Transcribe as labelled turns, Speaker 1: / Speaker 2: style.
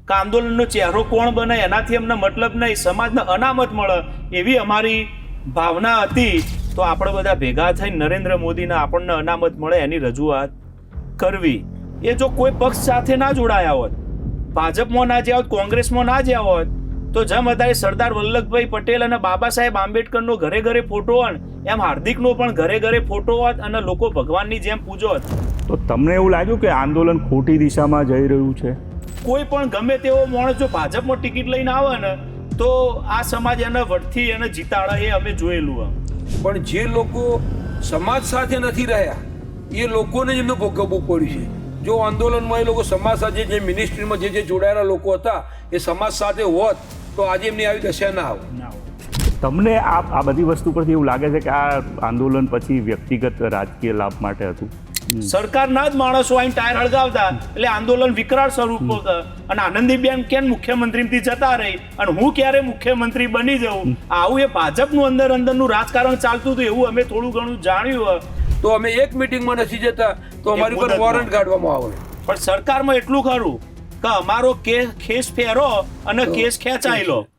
Speaker 1: કે આંદોલનનો ચહેરો કોણ બને એનાથી અમને મતલબ નહીં, સમાજને અનામત મળે એવી અમારી ભાવના હતી. તો આપણે બધા ભેગા થઈને નરેન્દ્ર મોદીને આપણને અનામત મળે એની રજૂઆત કરવી. એ જો કોઈ પક્ષ સાથે ના જોડાયા હોત, ભાજપમાં ના જ્યાં હોત, કોંગ્રેસમાં ના જ્યાં હોત, તો જેમ અત્યારે સરદાર વલ્લભભાઈ પટેલ અને બાબા સાહેબ આંબેડકરનો ઘરે ઘરે ફોટો હોય એમ હાર્દિકનો પણ ઘરે ઘરે ફોટો હોત અને લોકો ભગવાનની જેમ પૂજોત.
Speaker 2: તો તમને એવું લાગ્યું કે આંદોલન ખોટી દિશામાં જઈ રહ્યું છે?
Speaker 1: કોઈ પણ ગમે તેવો માણસ જો ભાજપમાં ટિકિટ લઈને આવે ને તો આ સમાજ એને વટથી એને જીતાડે, એ અમે જોયેલું.
Speaker 3: પણ જે લોકો સમાજ સાથે નથી રહ્યા એ લોકોને જ એમને ભોગવવું પડ્યું છે. જો આંદોલનમાં એ લોકો સમાજ સાથે, જે મિનિસ્ટ્રીમાં જે જોડાયેલા લોકો હતા એ સમાજ સાથે હોત તો આજે એમની આવી દશા ના આવે.
Speaker 2: તમને આ બધી વસ્તુ પરથી એવું લાગે છે કે આ આંદોલન પછી વ્યક્તિગત રાજકીય લાભ માટે હતું?
Speaker 1: સરકારના જ માણસો આઈને ટાયર હળગાવતા એટલે આંદોલન વિકરાળ સ્વરૂપ અને આનંદીબેન કેમ મુખ્યમંત્રીથી જતા રહી અને હું ક્યારે મુખ્યમંત્રી બની જાઉં, આવું એ ભાજપનું અંદરનું રાજકારણ ચાલતું હતું એવું અમે થોડું ઘણું જાણ્યું.
Speaker 3: તો અમે એક મિટિંગમાં નથી જતા તો અમારી ઉપર વોરંટ કાઢવામાં આવે.
Speaker 1: પણ સરકારમાં એટલું ખરું કે અમારો કેસ ફેરો અને કેસ ખેંચાયેલો.